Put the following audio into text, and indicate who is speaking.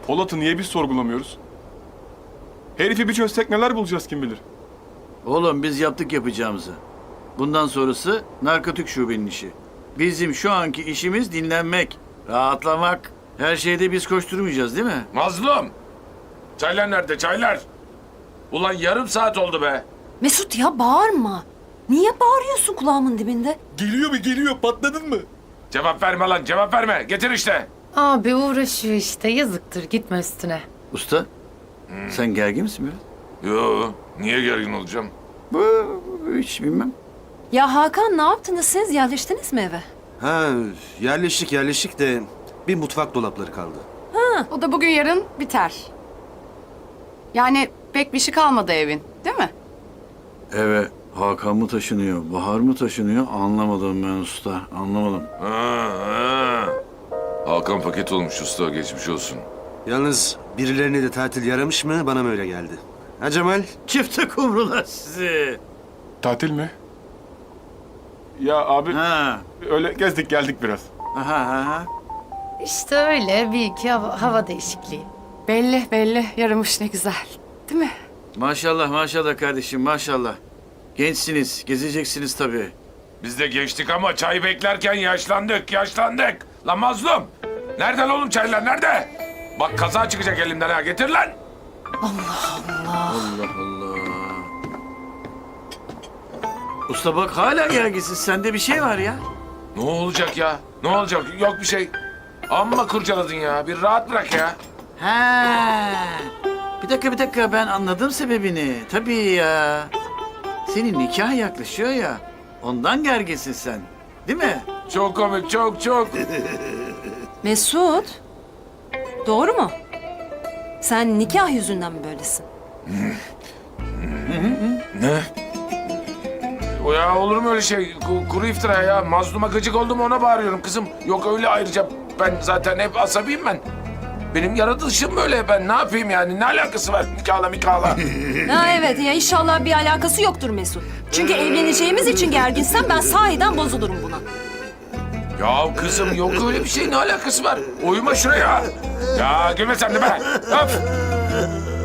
Speaker 1: Polat'ı niye biz sorgulamıyoruz? Herifi bir çözsek neler bulacağız kim bilir.
Speaker 2: Oğlum biz yaptık yapacağımızı. Bundan sonrası narkotik şubenin işi. Bizim şu anki işimiz dinlenmek, rahatlamak. Her şeyde biz koşturmayacağız değil mi?
Speaker 3: Mazlum! Çaylar nerede çaylar? Ulan yarım saat oldu be.
Speaker 4: Mesut ya bağırma. Niye bağırıyorsun kulağımın dibinde?
Speaker 1: Geliyor patladın mı?
Speaker 3: Cevap verme lan cevap verme. Getir işte.
Speaker 5: Abi uğraşıyor işte yazıktır gitme üstüne.
Speaker 2: Usta, sen gergin misin biraz?
Speaker 3: Yo niye gergin olacağım?
Speaker 2: Hiç bilmem.
Speaker 4: Ya Hakan ne yaptınız siz? Yerleştiniz mi eve?
Speaker 6: Ha, yerleştik de bir mutfak dolapları kaldı.
Speaker 7: O da bugün yarın biter. Yani pek bir şey kalmadı evin, değil mi?
Speaker 2: Eve Hakan mı taşınıyor, Bahar mı taşınıyor anlamadım ben usta, anlamadım.
Speaker 3: Ha. Hakan paket olmuş usta geçmiş olsun.
Speaker 6: Yalnız birilerine de tatil yaramış mı bana mı öyle geldi? Ha Cemal?
Speaker 2: Çifte kumrular sizi.
Speaker 1: Tatil mi? Ya abi
Speaker 2: Ha,
Speaker 1: öyle gezdik geldik biraz.
Speaker 2: aha.
Speaker 5: İşte öyle bir iki hava değişikliği.
Speaker 7: Belli yaramış ne güzel. Değil mi?
Speaker 2: Maşallah kardeşim maşallah. Gençsiniz, gezeceksiniz tabii.
Speaker 3: Biz de geçtik ama çay beklerken yaşlandık. Lan mazlum! Nerede lan oğlum çaylar nerede? Bak kaza çıkacak elimden ha getir lan.
Speaker 2: Allah Allah. Usta bak hala gerginsin, sende bir şey var ya.
Speaker 3: Ne olacak ya? Ne olacak? Yok bir şey. Amma kurcaladın ya. Bir rahat bırak ya.
Speaker 2: Ha. Bir dakika ben anladım sebebini. Tabii ya. Senin nikah yaklaşıyor ya. Ondan gerginsin sen. Değil mi?
Speaker 3: Çok komik çok.
Speaker 4: Mesut. Doğru mu? Sen nikah yüzünden mi böylesin?
Speaker 3: Ne? O ya olur mu öyle şey? Kuru iftira ya. Mazluma gıcık oldum ona bağırıyorum kızım. Yok öyle ayrıca ben zaten hep asabiyim ben. Benim yaratılışım böyle ben ne yapayım yani? Ne alakası var nikahla?
Speaker 4: Ha evet ya inşallah bir alakası yoktur Mesut. Çünkü evleneceğimiz için gerginsen ben sahiden bozulurum buna.
Speaker 3: Ya kızım yok öyle bir şey ne alakası var? Uyuma şuraya. Ya gülme sen de be. Öf.